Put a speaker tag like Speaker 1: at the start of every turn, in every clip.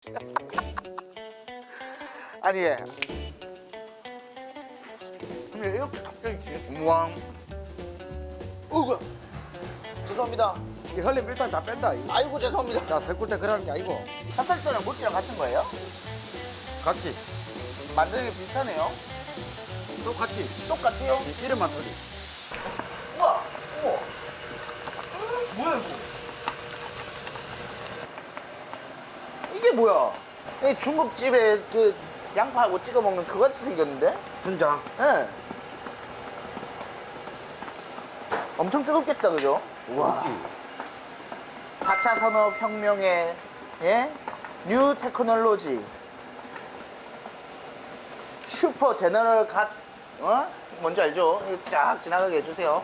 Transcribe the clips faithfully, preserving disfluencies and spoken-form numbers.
Speaker 1: 아니 근데 이렇게 갑자기 우왕 어이구야 죄송합니다.
Speaker 2: 이 흘림 일단 다 뺀다. 이.
Speaker 1: 아이고 죄송합니다.
Speaker 2: 자, 섞을 때 그러는 게 아니고.
Speaker 1: 찹쌀떡이랑 모찌랑 같은 거예요?
Speaker 2: 같이.
Speaker 1: 만드는 게 비슷하네요.
Speaker 2: 똑같이.
Speaker 1: 똑같아요?
Speaker 2: 이 이름만 틀리.
Speaker 1: 우와 우와 뭐야 이거 이게 뭐야 이 중국집에 그 양파하고 찍어 먹는 그거 같이 생겼는데?
Speaker 2: 순장.
Speaker 1: 예 네. 엄청 뜨겁겠다 그죠? 우와 사 차 산업혁명의 예? 뉴 테크놀로지 슈퍼 제너럴 갓 어? 뭔지 알죠? 이거 쫙 지나가게 해주세요.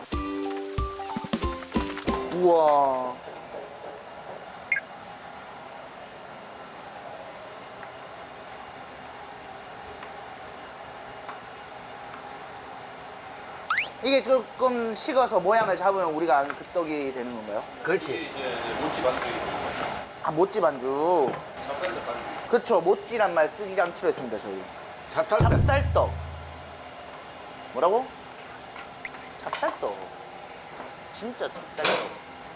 Speaker 1: 우와 이게 조금 식어서 모양을 잡으면 우리가 아는 그 떡이 되는 건가요?
Speaker 2: 그렇지.
Speaker 3: 이제 모찌 반죽.
Speaker 1: 아 모찌 반죽
Speaker 3: 찹쌀떡 반죽.
Speaker 1: 그쵸 모찌란 말 쓰지 않기로 했습니다 저희.
Speaker 2: 찹쌀떡.
Speaker 1: 찹쌀떡 뭐라고? 찹쌀떡 진짜 찹쌀떡.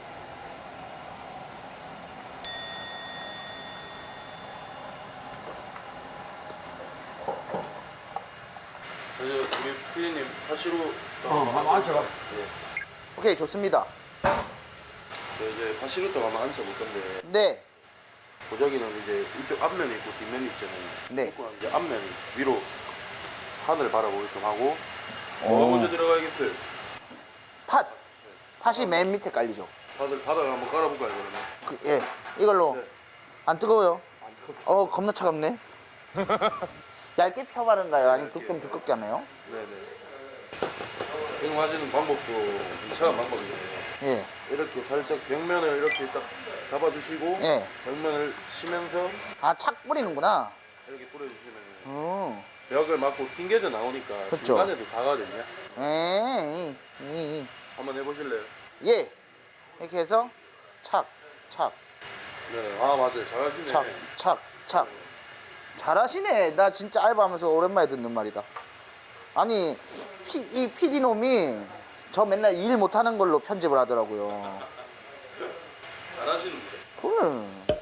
Speaker 3: 그래서 우리 피디님 파시로.
Speaker 2: 어, 한번 앉혀봐.
Speaker 3: 예.
Speaker 1: 오케이 좋습니다.
Speaker 3: 네, 이제 파시로 떡 한번 앉혀볼 건데
Speaker 1: 네
Speaker 3: 보자기는 이제 이쪽 앞면이 있고 뒷면이 있잖아요.
Speaker 1: 네.
Speaker 3: 조금 이제 앞면 위로 하늘 바라보게끔 하고. 뭐가 먼저 들어가야겠어요?
Speaker 1: 팥 팥이 맨 밑에 깔리죠.
Speaker 3: 다들 바닥을 한번 깔아볼까요 그러면?
Speaker 1: 그, 예 이걸로
Speaker 3: 네.
Speaker 1: 안 뜨거워요?
Speaker 3: 안 뜨겁.
Speaker 1: 어 겁나 차갑네. 얇게 펴바른가요? 아니면 두꺼움 두껍게 하나요?
Speaker 3: 네네. 지금 하시는 방법도 괜찮은 방법이잖아요.
Speaker 1: 예
Speaker 3: 이렇게 살짝 벽면을 이렇게 딱 잡아주시고
Speaker 1: 예.
Speaker 3: 벽면을 치면서
Speaker 1: 아 착 뿌리는구나.
Speaker 3: 이렇게 뿌려주시면
Speaker 1: 음.
Speaker 3: 벽을 맞고 튕겨져 나오니까
Speaker 1: 그쵸.
Speaker 3: 중간에도 가거든요.
Speaker 1: 에이, 이,
Speaker 3: 한번 해보실래요?
Speaker 1: 이. 예. 이렇게 해서 착, 착,
Speaker 3: 네. 아 맞아요. 잘하시네.
Speaker 1: 착, 착, 착. 잘하시네. 나 진짜 알바하면서 오랜만에 듣는 말이다. 아니, 피, 이 피디놈이 저 맨날 일 못하는 걸로 편집을 하더라고요.
Speaker 3: 잘하시는데.
Speaker 1: 그래.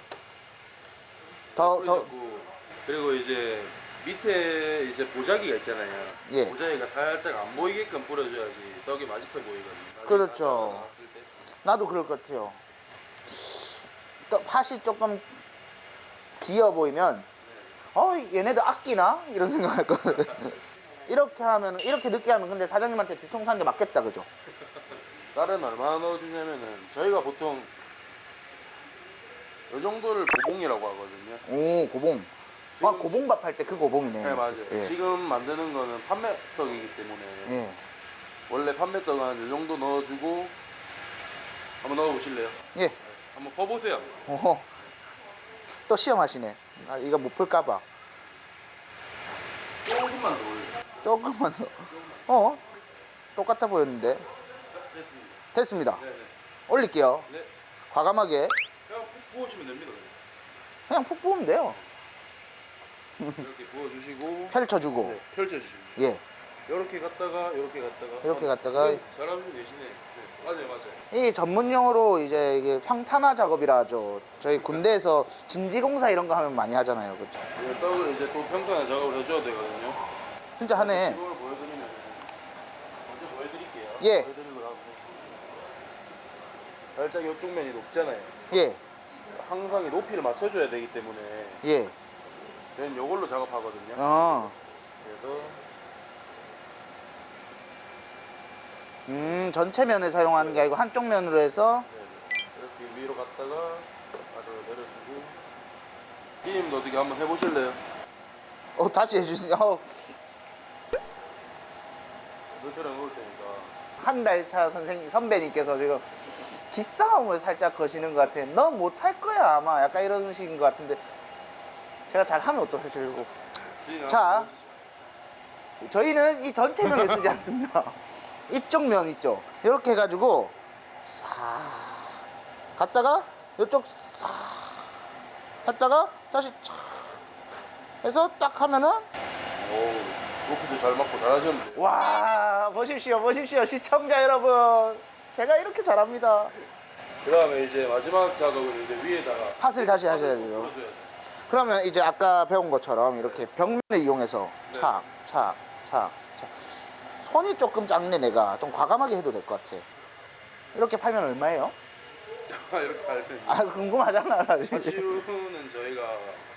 Speaker 1: 더, 더,
Speaker 3: 뿌리셨고 그리고 이제 밑에 이제 보자기가 있잖아요.
Speaker 1: 예.
Speaker 3: 보자기가 살짝 안 보이게끔 뿌려줘야지 떡이 맛있어 보이거든요. 나중에
Speaker 1: 그렇죠.
Speaker 3: 다 나왔을 때.
Speaker 1: 나도 그럴 것 같아요. 또 팥이 조금 비어 보이면, 어, 얘네들 아끼나? 이런 생각할 거거든. 이렇게 하면, 이렇게 늦게 하면 근데 사장님한테 뒤통수 한 대 맞겠다, 그죠?
Speaker 3: 쌀은 얼마나 넣어주냐면은 저희가 보통 이 정도를 고봉이라고 하거든요.
Speaker 1: 오, 고봉. 아,
Speaker 3: 지금-
Speaker 1: 고봉밥 할 때 그 고봉이네.
Speaker 3: 네 맞아요.
Speaker 1: 예.
Speaker 3: 지금 만드는 거는 판매떡이기 때문에
Speaker 1: 예.
Speaker 3: 원래 판매떡은 한 이 정도 넣어주고 한번 넣어보실래요?
Speaker 1: 예.
Speaker 3: 한번 퍼보세요.
Speaker 1: 어허. 또 시험하시네. 아, 이거 못 풀까봐.
Speaker 3: 조금만 더 올려.
Speaker 1: 조금만 더. 어? 똑같아 보였는데.
Speaker 3: 됐습니다.
Speaker 1: 됐습니다.
Speaker 3: 네네.
Speaker 1: 올릴게요.
Speaker 3: 네.
Speaker 1: 과감하게.
Speaker 3: 그냥 푹 부으시면 됩니다.
Speaker 1: 그냥 푹 부으면 돼요.
Speaker 3: 이렇게 부어주시고
Speaker 1: 펼쳐주고.
Speaker 3: 네, 펼쳐주시고
Speaker 1: 예.
Speaker 3: 이렇게 갔다가 이렇게 갔다가
Speaker 1: 이렇게
Speaker 3: 아,
Speaker 1: 갔다가.
Speaker 3: 네, 잘하고 계시네. 네, 맞아요 맞아요.
Speaker 1: 이 전문용어로 이제 이게 평탄화 작업이라 하죠. 저희 군대에서 진지공사 이런 거 하면 많이 하잖아요. 그렇죠?
Speaker 3: 이 떡을 이제 또 평탄화 작업을 해줘야 되거든요.
Speaker 1: 진짜 하네.
Speaker 3: 이걸 보여드리면 먼저 보여드릴게요.
Speaker 1: 예.
Speaker 3: 보여드리고 나서 살짝 이쪽 면이 높잖아요.
Speaker 1: 예.
Speaker 3: 항상 이 높이를 맞춰줘야 되기 때문에
Speaker 1: 예.
Speaker 3: 저희는 이걸로 작업하거든요.
Speaker 1: 어.
Speaker 3: 그래서
Speaker 1: 음, 전체 면을 사용하는 게 아니고 한쪽 면으로 해서.
Speaker 3: 네, 이렇게 위로 갔다가 아래로 내려주고 피디님도 어떻게 한번 해보실래요?
Speaker 1: 어, 다시 해주세요. 어,
Speaker 3: 너처럼 놓을 테니까.
Speaker 1: 한 달 차 선생님, 선배님께서 지금 기싸움을 살짝 거시는 것 같아. 너 못할 거야, 아마. 약간 이런 식인 것 같은데. 제가 잘하면 어떠실고.
Speaker 3: 피디님
Speaker 1: 자.
Speaker 3: 한번
Speaker 1: 저희는 이 전체 면을 쓰지 않습니다. 이쪽 면 있죠. 이렇게 해가지고 싹 갔다가 이쪽 싹 갔다가 다시 촥 해서 딱 하면은
Speaker 3: 오, 로프도 잘 맞고 잘하셨는데.
Speaker 1: 와 보십시오 보십시오 시청자 여러분 제가 이렇게 잘합니다.
Speaker 3: 그 다음에 이제 마지막 작업은 이제 위에다가
Speaker 1: 팥을 다시 하셔야 돼요.
Speaker 3: 풀어줘야 돼.
Speaker 1: 그러면 이제 아까 배운 것처럼 이렇게 벽면을 이용해서
Speaker 3: 네.
Speaker 1: 착, 착, 착, 착. 손이 조금 작네 내가. 좀 과감하게 해도 될 것 같아. 이렇게 팔면 얼마예요?
Speaker 3: 이렇게 할 때.
Speaker 1: 아 궁금하잖아 사실.
Speaker 3: 사실은 저희가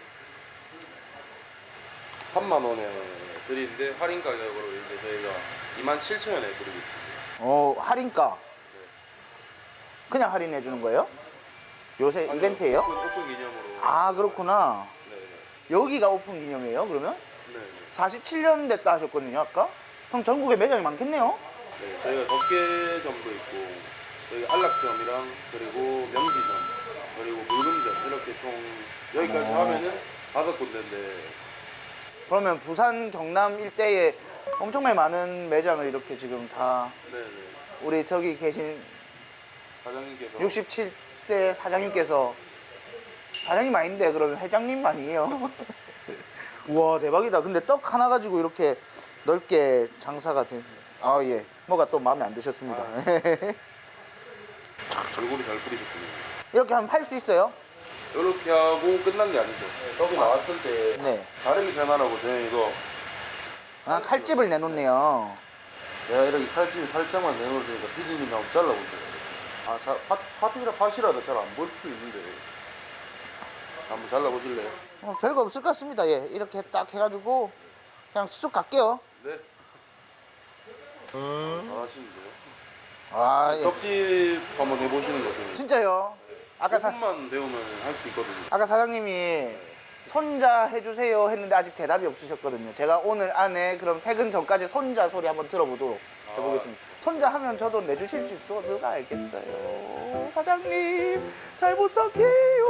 Speaker 3: 삼만 원에 드리는데 할인 가격으로 이제 저희가 이만 칠천 원에 드리고 있습니다.
Speaker 1: 어 할인가? 그냥 할인해 주는 거예요? 요새
Speaker 3: 아니요,
Speaker 1: 이벤트예요?
Speaker 3: 오픈, 오픈 기념으로.
Speaker 1: 아 그렇구나.
Speaker 3: 네네.
Speaker 1: 여기가 오픈 기념이에요 그러면?
Speaker 3: 네네.
Speaker 1: 사십칠 년 됐다 하셨거든요 아까? 그럼 전국에 매장이 많겠네요?
Speaker 3: 네, 저희가 덮개점도 있고 저희 안락점이랑 그리고 명지점 그리고 물금점 이렇게 총 여기까지
Speaker 1: 어.
Speaker 3: 하면은 다섯 군데인데
Speaker 1: 그러면 부산 경남 일대에 엄청나게 많은 매장을 이렇게 지금 다
Speaker 3: 네네.
Speaker 1: 우리 저기 계신
Speaker 3: 사장님께서
Speaker 1: 육십칠 세 사장님께서 사장님 아닌데 그러면 회장님 아니에요? 우와 대박이다. 근데 떡 하나 가지고 이렇게 넓게 장사가 된. 아 예. 뭐가 또 마음에 안 드셨습니다.
Speaker 3: 얼굴이 잘 뿌리셨습니다.
Speaker 1: 이렇게 하면 팔 수 있어요?
Speaker 3: 이렇게 하고 끝난 게 아니죠. 떡이 나왔을 때
Speaker 1: 네.
Speaker 3: 다름이 변하라고 저희 이거
Speaker 1: 아 칼집을 내놓네요.
Speaker 3: 내가 이렇게 칼집이 살짝만 내놓을 테니까 피디님이 한번 잘라보세요. 아, 자, 팥, 팥이라 팥이라도 잘 안 보일 수도 있는데 한번 잘라보실래요?
Speaker 1: 어, 별거 없을 것 같습니다. 예. 이렇게 딱 해가지고 그냥 쑥 갈게요.
Speaker 3: 네. 잘하시는데요?
Speaker 1: 아 예.
Speaker 3: 떡집 한번 해보시는 것도
Speaker 1: 진짜요? 아까 사,
Speaker 3: 조금만 배우면 할 수 있거든요.
Speaker 1: 아까 사장님이 손자 해주세요 했는데 아직 대답이 없으셨거든요. 제가 오늘 안에 그럼 퇴근 전까지 손자 소리 한번 들어보도록 해보겠습니다. 손자 하면 저도 내주실 줄도 누가 알겠어요. 사장님 잘 부탁해요.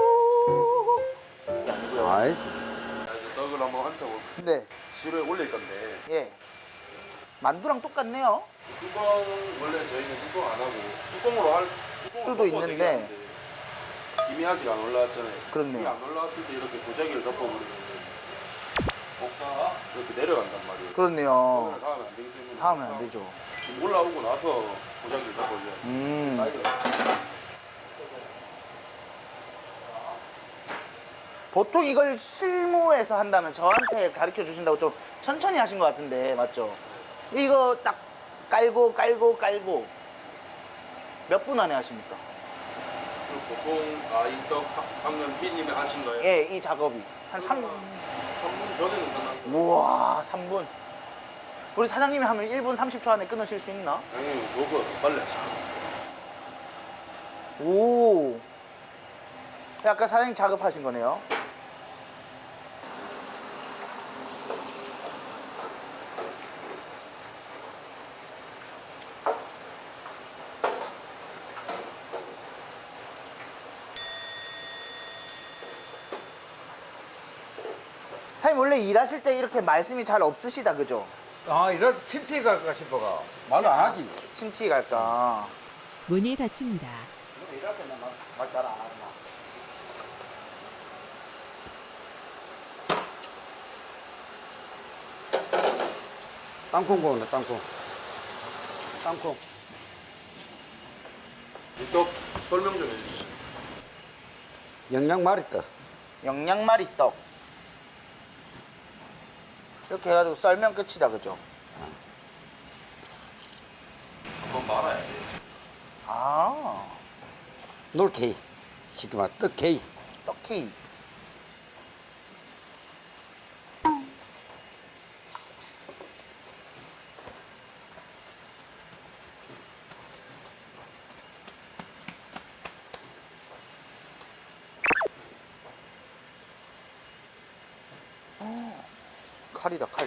Speaker 2: 아이,
Speaker 3: 자, 이제 떡을 한번 한차고
Speaker 1: 네,
Speaker 3: 지루에 올릴 건데
Speaker 1: 예. 만두랑 똑같네요.
Speaker 3: 뚜껑 원래 저희는 뚜껑 안 하고 뚜껑으로 할 뚜껑을
Speaker 1: 수도
Speaker 3: 덮어서
Speaker 1: 있는데.
Speaker 3: 얘기하는데 김이 아직 안 올라왔잖아요.
Speaker 1: 그렇네요.
Speaker 3: 김이 안 올라왔을 때 이렇게 도자기를 덮어버리면 먹다가 이렇게 내려간단 말이에요.
Speaker 1: 그렇네요.
Speaker 3: 다 하면 안 되기 때문에
Speaker 1: 다 하면 안 되죠.
Speaker 3: 지금 올라오고 나서 도자기를 덮어줘야 돼요.
Speaker 1: 음.
Speaker 3: 나이가
Speaker 1: 보통 이걸 실무에서 한다면 저한테 가르쳐 주신다고 좀 천천히 하신 것 같은데 맞죠? 이거 딱 깔고 깔고 깔고 몇 분 안에 하십니까?
Speaker 3: 보통 아이떡 방금 피디님이 하신 거예요?
Speaker 1: 예, 이 작업이 한 삼 분.
Speaker 3: 삼 분 전에는 끝난 거.
Speaker 1: 우와, 삼 분. 우리 사장님이 하면 일 분 삼십 초 안에 끊으실 수 있나?
Speaker 3: 당연히 저거보다 더 빨리 하시죠.
Speaker 1: 오. 아까 사장님 작업하신 거네요. 사장님 원래 일하실 때 이렇게 말씀이 잘 없으시다 그죠?
Speaker 2: 아, 이럴 때 침튀 갈까 싶어가. 말도 안 하지.
Speaker 1: 침튀 갈까?
Speaker 4: 문이 닫힙니다.
Speaker 2: 이럴 때는 말잘 안 하구나. 땅콩 구웠네, 땅콩. 땅콩.
Speaker 3: 이떡 설명 좀 해주시죠.
Speaker 2: 영양 말있다.
Speaker 1: 영양말이 떡. 이렇게 해가지고 썰면 끝이다 그죠?
Speaker 3: 한번 말아야 돼.
Speaker 1: 아,
Speaker 2: 놀케이. 쉽게 말, 떡케이.
Speaker 1: 떡케이. 어, 칼이다 칼.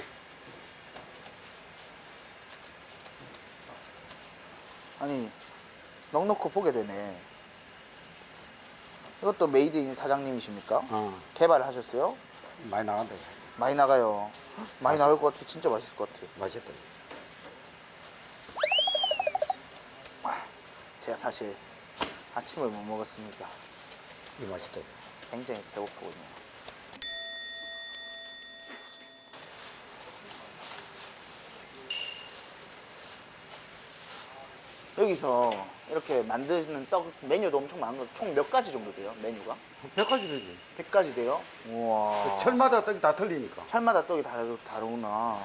Speaker 1: 아니 넉넉히 보게 되네. 이것도 메이드 인 사장님이십니까?
Speaker 2: 어,
Speaker 1: 개발하셨어요?
Speaker 2: 많이 나간다.
Speaker 1: 많이 나가요. 헉, 많이 나갈 것 같아. 진짜 맛있을 것 같아.
Speaker 2: 맛있다.
Speaker 1: 제가 사실 아침을 못 먹었습니다.
Speaker 2: 이 맛있다.
Speaker 1: 굉장히 배고프거든요. 여기서 이렇게 만드는 떡 메뉴도 엄청 많은 거 총 몇 가지 정도 돼요? 메뉴가?
Speaker 2: 백 가지 되지.
Speaker 1: 백 가지 돼요? 우와.
Speaker 2: 철마다 떡이 다 틀리니까.
Speaker 1: 철마다 떡이 다르, 다르구나.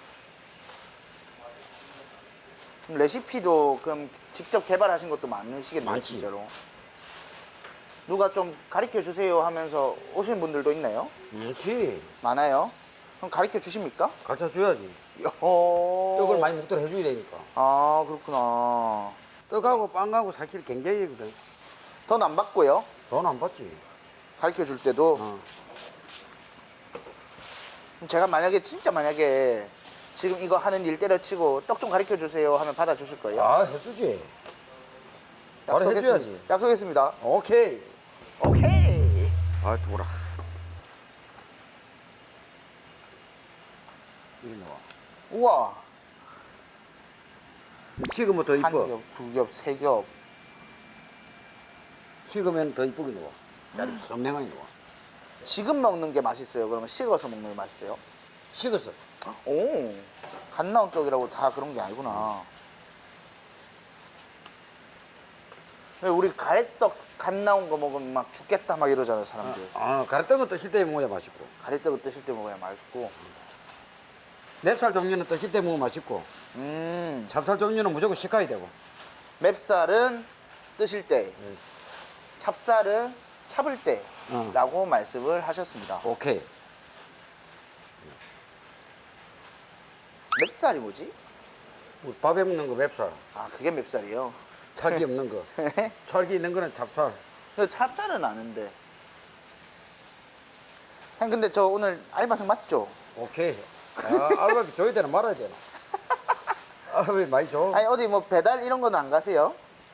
Speaker 1: 그럼 레시피도 그럼 직접 개발하신 것도 많으시겠네요,
Speaker 2: 많지.
Speaker 1: 진짜로. 누가 좀 가르쳐 주세요 하면서 오시는 분들도 있나요?
Speaker 2: 그렇지.
Speaker 1: 많아요? 그럼 가르쳐 주십니까?
Speaker 2: 가르쳐 줘야지.
Speaker 1: 어...
Speaker 2: 떡을 많이 묵도록 해줘야 되니까.
Speaker 1: 아, 그렇구나.
Speaker 2: 떡하고 빵하고 사실 경쟁이거든.
Speaker 1: 돈 안 받고요.
Speaker 2: 돈 안 받지.
Speaker 1: 가르쳐 줄 때도.
Speaker 2: 어.
Speaker 1: 그럼 제가 만약에 진짜 만약에 지금 이거 하는 일 때려치고 떡 좀 가르쳐 주세요 하면 받아 주실 거예요?
Speaker 2: 아, 해주지. 바로
Speaker 1: 약속했습-
Speaker 2: 해줘야지.
Speaker 1: 약속했습니다.
Speaker 2: 오케이.
Speaker 1: 오케이.
Speaker 2: 아, 두라. 이리 나와.
Speaker 1: 우와.
Speaker 2: 식으면 더
Speaker 1: 한
Speaker 2: 이뻐.
Speaker 1: 겹, 두 겹, 세 겹.
Speaker 2: 식으면 더 이쁘게 나와. 짜리 선명하게 나와.
Speaker 1: 지금 먹는 게 맛있어요? 그러면 식어서 먹는 게 맛있어요?
Speaker 2: 식었어.
Speaker 1: 오, 갓 나온 떡이라고 다 그런 게 아니구나. 왜 우리 가래떡 갓 나온 거 먹으면 막 죽겠다 막 이러잖아요, 사람들.
Speaker 2: 아, 가래떡은 뜨실 때 먹어야 맛있고.
Speaker 1: 가래떡을 뜨실 때 먹어야 맛있고.
Speaker 2: 맵쌀 종류는 뜨실 때 먹으면 맛있고.
Speaker 1: 음,
Speaker 2: 찹쌀 종류는 무조건 식혀야 되고.
Speaker 1: 맵쌀은 뜨실 때,
Speaker 2: 네.
Speaker 1: 찹쌀은 차불
Speaker 2: 어.
Speaker 1: 때라고 말씀을 하셨습니다.
Speaker 2: 오케이.
Speaker 1: 맵쌀이 뭐지?
Speaker 2: 우리 밥에 먹는 거 맵쌀.
Speaker 1: 아, 그게 맵쌀이요?
Speaker 2: 찰기 없는 거. 찰기 있는 거는 찹쌀.
Speaker 1: 근데 찹쌀은 아는데. 형, 근데 저 오늘 알바생 맞죠?
Speaker 2: 오케이. 아, 알바비 줘야 되나 말아야 되나? 알바비 많이 줘.
Speaker 1: 아니, 어디 뭐 배달 이런 거는 안 가세요?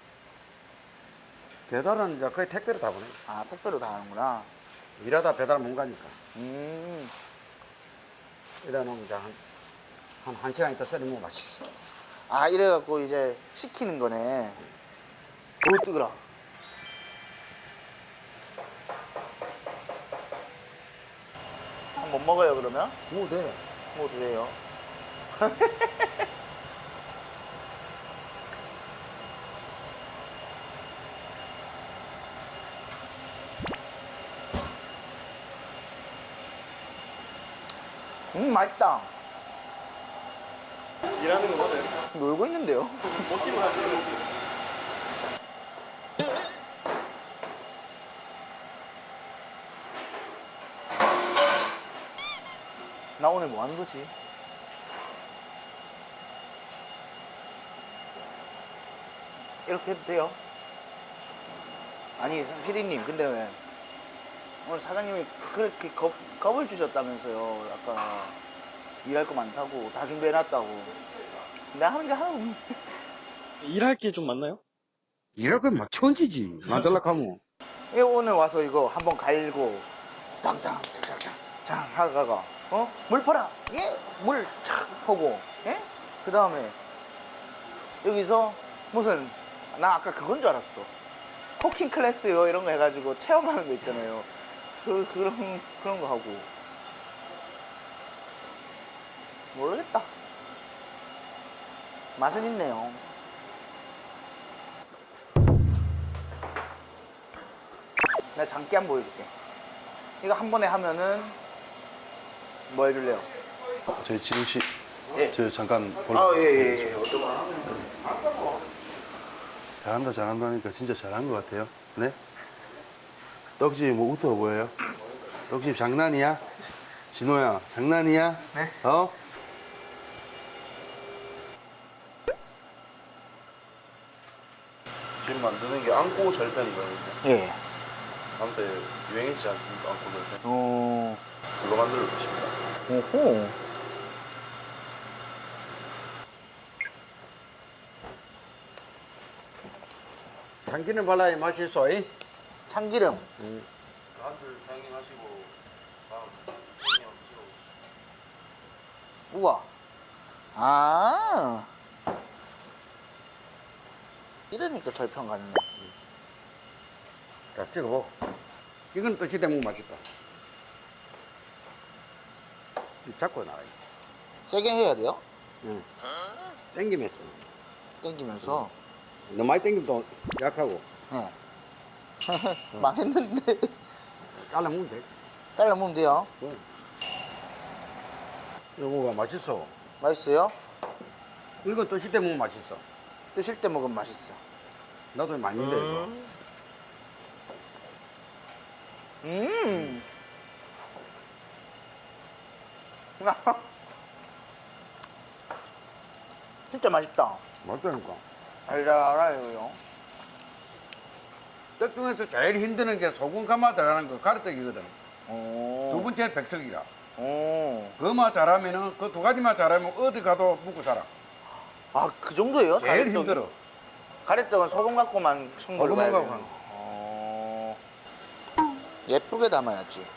Speaker 2: 배달은 이제 거의 택배로 다 보내.
Speaker 1: 아, 택배로 다 하는구나.
Speaker 2: 일하다 배달 못 가니까.
Speaker 1: 음,
Speaker 2: 일하는 이제 한, 한, 한 시간 있다 썰으면 맛있어.
Speaker 1: 아, 이래갖고 이제 시키는 거네. 오, 뜨거라. 못 먹어요, 그러면?
Speaker 2: 뭐 돼.
Speaker 1: 뭐 드세요? 음, 맛있다.
Speaker 3: 일하는 거 맞아요?
Speaker 1: 놀고 있는데요?
Speaker 3: 먹기만 하시는
Speaker 1: 나 오늘 뭐 하는 거지? 이렇게 해도 돼요? 아니, 피디님, 근데 왜 오늘 사장님이 그렇게 겁, 겁을 주셨다면서요? 아까 일할 거 많다고, 다 준비해놨다고. 내가 하는 게 하나도 없네.
Speaker 4: 일할 게 좀 많나요?
Speaker 2: 일할 거면 막 천지지. 만들라고 하면.
Speaker 1: 예, 오늘 와서 이거 한번 갈고, 땅땅, 짱짱짱, 짱 하다가, 어? 물 퍼라! 예? 물 착 퍼고, 예? 그 다음에, 여기서 무슨, 나 아까 그건 줄 알았어. 쿠킹 클래스요, 이런 거 해가지고 체험하는 거 있잖아요. 그, 그런, 그런 거 하고. 모르겠다. 맛은 있네요. 내가 장기 한번 보여줄게. 이거 한 번에 하면은 뭐 해줄래요?
Speaker 3: 저희 지금 씨,
Speaker 1: 예.
Speaker 3: 저 잠깐 볼.
Speaker 1: 아, 예, 예, 예. 어떤 거 하면?
Speaker 3: 잘한다 잘한다니까 진짜 잘한 것 같아요. 네? 떡집 뭐 웃어 보여요? 떡집 장난이야? 진호야 장난이야?
Speaker 1: 네.
Speaker 3: 어? 지금 만드는 게 안고 절편이거든요.
Speaker 1: 예.
Speaker 3: 한때 유행했지 않습니까? 안고 절편.
Speaker 1: 어,
Speaker 3: 그거 만들어 보십니다.
Speaker 1: 오호.
Speaker 2: 참기름 발라야 맛있어. 이?
Speaker 1: 참기름.
Speaker 3: 한줄 사장님 하시고 다음
Speaker 1: 우와. 아. 이러니까 절편 같네.
Speaker 2: 자, 찍어보. 이건 뜨실 때 먹으면 맛있다. 이 잡고 나가야지.
Speaker 1: 세게 해야 돼요?
Speaker 2: 응. 땡기면서.
Speaker 1: 땡기면서.
Speaker 2: 너무 많이 땡기면 또 약하고.
Speaker 1: 네. 망했는데.
Speaker 2: 잘라 먹으면 돼.
Speaker 1: 잘라 먹으면 돼요.
Speaker 2: 이거가 맛있어.
Speaker 1: 맛있어요?
Speaker 2: 이거 드실 때 먹으면 맛있어.
Speaker 1: 드실 때 먹으면 맛있어.
Speaker 2: 나도 많이 힘들어 이거.
Speaker 1: 음. 진짜 맛있다.
Speaker 2: 맛있다니까.
Speaker 1: 알알아요.
Speaker 2: 떡 중에서 제일 힘드는 게 소금 가마 들어가는 거 가래떡이거든.
Speaker 1: 오.
Speaker 2: 두 번째는 백석이라.
Speaker 1: 오.
Speaker 2: 그만 잘하면은 그 두 가지만 잘하면 어디 가도 먹고 살아.
Speaker 1: 아, 그 정도예요?
Speaker 2: 제일
Speaker 1: 가래떡이?
Speaker 2: 힘들어.
Speaker 1: 가래떡은 소금 갖고만 손걸로
Speaker 2: 소금
Speaker 1: 봐야
Speaker 2: 갖고
Speaker 1: 돼요.
Speaker 2: 하는 거.
Speaker 1: 어. 예쁘게 담아야지.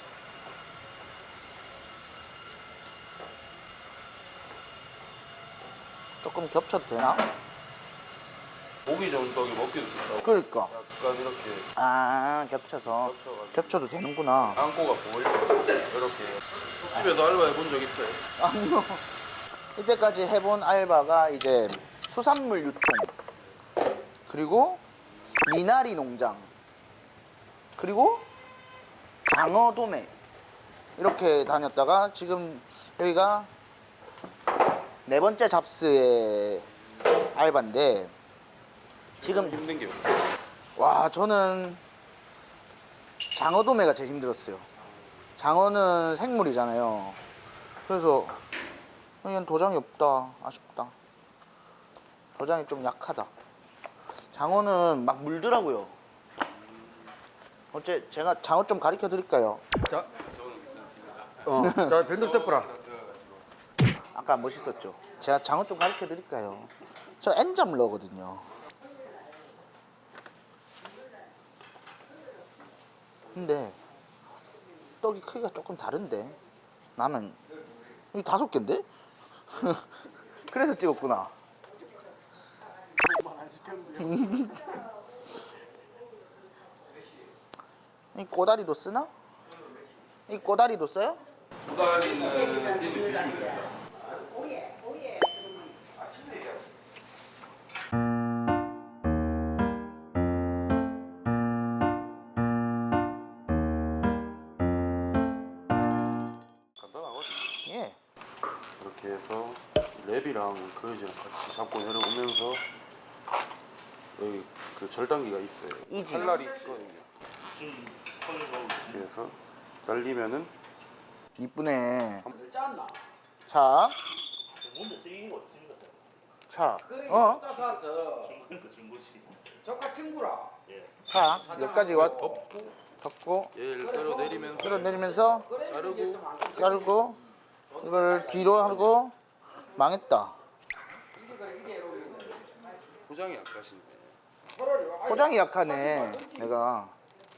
Speaker 1: 조금 겹쳐도 되나?
Speaker 3: 보기 좋은 떡이 먹기도 좋다고.
Speaker 1: 그러니까.
Speaker 3: 약간 이렇게
Speaker 1: 아, 겹쳐서.
Speaker 3: 겹쳐가지고
Speaker 1: 겹쳐도 되는구나.
Speaker 3: 안고가 보일 정도로 이렇게. 집에서 알바 해본 적 있어요?
Speaker 1: 아니요. 이때까지 해본 알바가 이제 수산물 유통, 그리고 미나리 농장, 그리고 장어 도매 이렇게 다녔다가 지금 여기가 네 번째 잡스의 알바인데 지금
Speaker 3: 힘든 게
Speaker 1: 와 저는 장어 도매가 제일 힘들었어요. 장어는 생물이잖아요. 그래서 이건 도장이 없다. 아쉽다. 도장이 좀 약하다. 장어는 막 물더라고요. 어째 제가 장어 좀 가르쳐 드릴까요?
Speaker 2: 자, 어, 자 변덕 덮어라.
Speaker 1: 아까 멋있었죠? 제가 장어 좀 가르쳐 드릴까요? 저 엔잡러거든요. 근데 떡이 크기가 조금 다른데 나는 이 다섯 개인데? 그래서 찍었구나. 이 꼬다리도 쓰나? 이 꼬다리도 써요?
Speaker 3: 도다리는 띠는 비주면 됩니다. 간단하거든요.
Speaker 1: 예.
Speaker 3: 이렇게 해서 랩이랑 그릇이랑 같이 잡고 내려오면서 여기 그 절단기가 있어요.
Speaker 1: 이지.
Speaker 3: 칼날이 있거든요. 이렇게 해서 잘리면은
Speaker 1: 이쁘네.
Speaker 2: 짰나?
Speaker 1: 자. 자.
Speaker 2: 그래,
Speaker 1: 어?
Speaker 2: 어? 사서 조카 친구라.
Speaker 1: 자. 여기까지 왔. 덮고
Speaker 3: 얘를 끌어내리면서
Speaker 1: 끌어내리면서
Speaker 3: 자르고
Speaker 1: 자르고 이걸 뒤로 하고 망했다.
Speaker 2: 이게 그래 이게 이러면
Speaker 3: 포장이 약하신데
Speaker 1: 포장이 약하네. 내가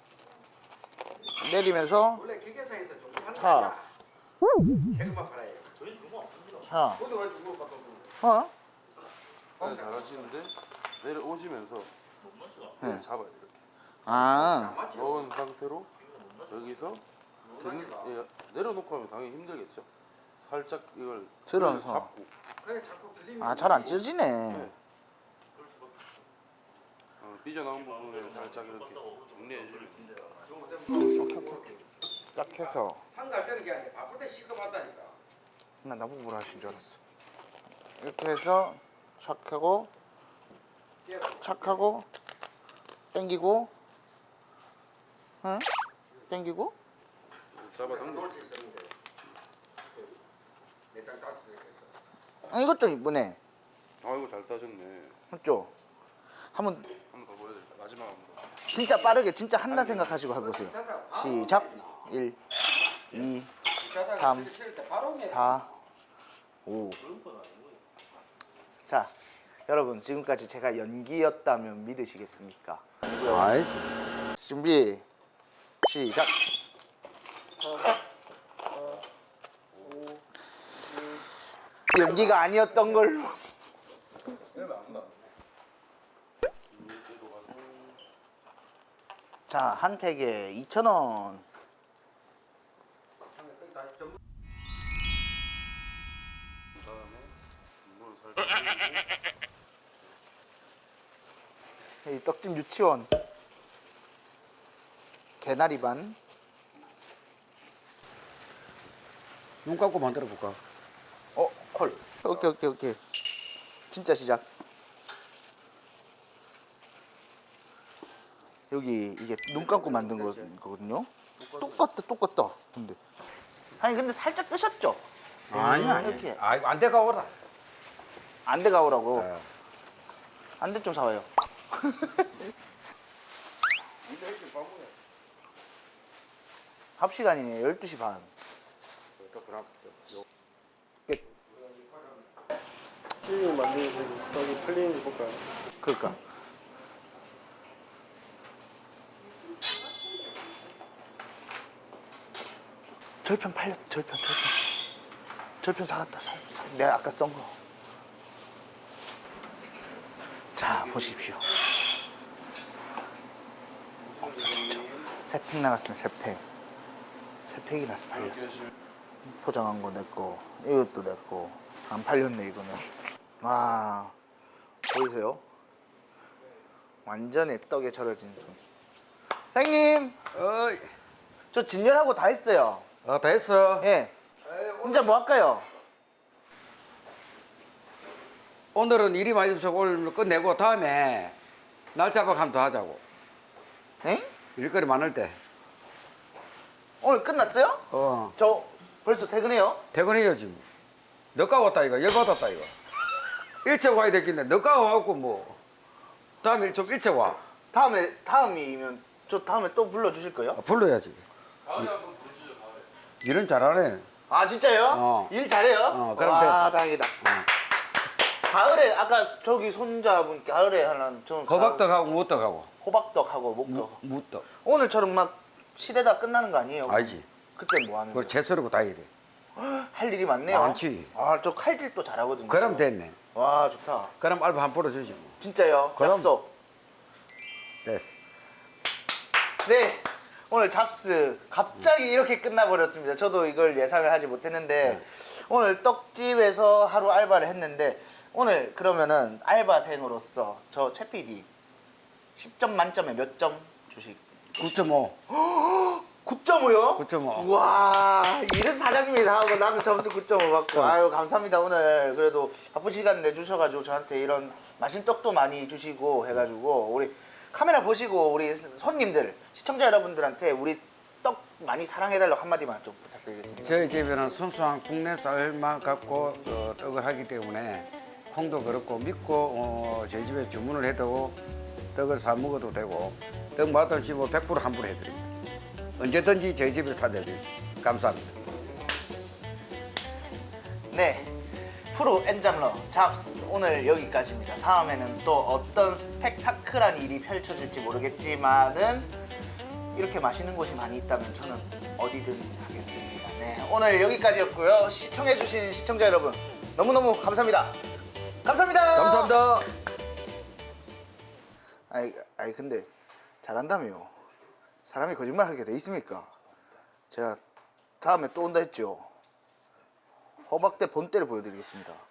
Speaker 1: 내리면서
Speaker 2: 원래 기계상에서 좀 하는
Speaker 1: 자.
Speaker 2: 세금만 팔아요.
Speaker 1: 자.
Speaker 2: 어디 가지고 갖다
Speaker 1: 어?
Speaker 3: 네, 잘하시는데 내려오시면서
Speaker 1: 네.
Speaker 3: 잡아야 돼요. 이렇게
Speaker 1: 아.
Speaker 3: 넣은 상태로 여기서 등, 예, 내려놓고 하면 당연히 힘들겠죠. 살짝 이걸
Speaker 1: 들어서.
Speaker 3: 잡고
Speaker 2: 그래 자꾸 들리면
Speaker 1: 아, 잘 안 찢어지네.
Speaker 3: 어, 삐져나온 부분을 살짝 이렇게 정리해 주면
Speaker 1: 딱 해서.
Speaker 2: 한갈 때는 게 아니라 바쁠 때 시급하다니까.
Speaker 1: 나 나보고 뭐라 하신 줄 알았어. 이렇게 해서 착 하고 착 하고 당기고 응? 당기고
Speaker 3: 잡아당겨.
Speaker 2: 놓을 수 있었는데 내땅 따스 했어.
Speaker 1: 아, 이것 좀 이쁘네.
Speaker 3: 아이고 잘 따셨네.
Speaker 1: 맞죠? 한번
Speaker 3: 한 번 더 보여드릴게요. 마지막 한 번.
Speaker 1: 진짜 빠르게 진짜 한다 생각하시고 해보세요. 시작. 일, 이, 삼, 사, 오. 자, 여러분 지금까지 제가 연기였다면 믿으시겠습니까?
Speaker 2: 아이지.
Speaker 1: 준비. 시작. 연기가 아니었던 걸로. 자, 한 팩에 이천 원.
Speaker 3: 그다음에 이걸 살짝 올리고
Speaker 1: 이 떡집 유치원. 개나리 반.
Speaker 2: 눈 감고 만들어 볼까?
Speaker 1: 어, 콜. 오케이, 오케이, 오케이. 진짜 시작. 여기 이게 눈 감고 만든 거- 거거든요. 똑같다, 똑같다. 근데 아니 근데 살짝 뜨셨죠?
Speaker 2: 아니야.
Speaker 1: 이렇게
Speaker 2: 아, 이거 안 돼가 오라.
Speaker 1: 안돼 가오라고.
Speaker 2: 네.
Speaker 1: 안돼 좀 사와요. 합 시간이네. 열두 시 반.
Speaker 4: 피디님 만드신 떡이 풀리는지 볼까요?
Speaker 1: 그러니까. 절편 팔렸. 절편 절편. 절편 사갔다. 사, 사. 내가 아까 썬 거. 자 보십시오. 없어졌죠. 세 팩 나갔으면 세 팩. 세 팩이 나서 팔렸어. 포장한 거 내 거. 이것도 내 거. 안 팔렸네 이거는. 와 보이세요? 완전히 떡에 절여진 손. 사장님,
Speaker 2: 어이.
Speaker 1: 저 진열하고 다 했어요.
Speaker 2: 어, 다 했어.
Speaker 1: 예. 혼자 뭐 할까요?
Speaker 2: 오늘은 일이 많이 없어서 오늘 끝내고 다음에 날 잡아가면 더 하자고.
Speaker 1: 에?
Speaker 2: 일거리 많을 때.
Speaker 1: 오늘 끝났어요?
Speaker 2: 어.
Speaker 1: 저 벌써 퇴근해요?
Speaker 2: 퇴근해야지 뭐. 너가 왔다 이거. 열받았다 이거. 일찍 와야 되겠네. 너가 와갖고 뭐. 다음에 좀 일찍 와.
Speaker 1: 다음에 다음이면 저 다음에 또 불러주실 거예요?
Speaker 2: 아, 불러야지. 일은 잘하네.
Speaker 1: 아 진짜요?
Speaker 2: 어.
Speaker 1: 일 잘해요?
Speaker 2: 어, 그럼
Speaker 1: 와
Speaker 2: 됐다.
Speaker 1: 다행이다. 가을에 아까 저기 손자분 가을에 하는 저는
Speaker 2: 호박떡하고 무떡하고.
Speaker 1: 호박떡하고 목떡.
Speaker 2: 무, 무떡.
Speaker 1: 오늘처럼 막 시대다 끝나는 거 아니에요?
Speaker 2: 알지.
Speaker 1: 그때 뭐 하는
Speaker 2: 그걸
Speaker 1: 거예요?
Speaker 2: 채소르고 다 이래.
Speaker 1: 할 일이 많네요.
Speaker 2: 많지.
Speaker 1: 아 저 칼질도 잘하거든요.
Speaker 2: 그럼 됐네.
Speaker 1: 와 좋다.
Speaker 2: 그럼 알바 한 뿌려주지 뭐.
Speaker 1: 진짜요?
Speaker 2: 그럼.
Speaker 1: 약속.
Speaker 2: 됐어.
Speaker 1: 네. 오늘 잡스 갑자기 이렇게 끝나버렸습니다. 저도 이걸 예상을 하지 못했는데 오늘 떡집에서 하루 알바를 했는데 오늘 그러면은 알바생으로서 저 최 피디 십 점 만점에 몇 점 주식?
Speaker 2: 구 점 오.
Speaker 1: 구 점 오요?
Speaker 2: 구 점 오.
Speaker 1: 우와 일은 사장님이 다 하고 나는 점수 구 점 오 받고 아유 감사합니다. 오늘 그래도 바쁜 시간 내주셔가지고 저한테 이런 맛있는 떡도 많이 주시고 해가지고 우리 카메라 보시고 우리 손님들 시청자 여러분들한테 우리 떡 많이 사랑해달라고 한마디만 좀 부탁드리겠습니다.
Speaker 2: 저희 집에는 순수한 국내 쌀만 갖고 어, 떡을 하기 때문에 콩도 그렇고 믿고 어, 저희 집에 주문을 해도 떡을 사 먹어도 되고 떡 맛없이 뭐 백 퍼센트 환불 해드립니다. 언제든지 저희 집에 사드리죠. 감사합니다.
Speaker 1: 네, 프로 엔잡러 잡스 오늘 여기까지입니다. 다음에는 또 어떤 스펙타클한 일이 펼쳐질지 모르겠지만은 이렇게 맛있는 곳이 많이 있다면 저는 어디든 가겠습니다. 네, 오늘 여기까지였고요. 시청해주신 시청자 여러분 너무너무 감사합니다. 감사합니다.
Speaker 2: 감사합니다.
Speaker 1: 아이, 아이 근데 잘한다며요. 사람이 거짓말하게 돼 있습니까? 제가 다음에 또 온다 했죠. 호박대 본때를 보여드리겠습니다.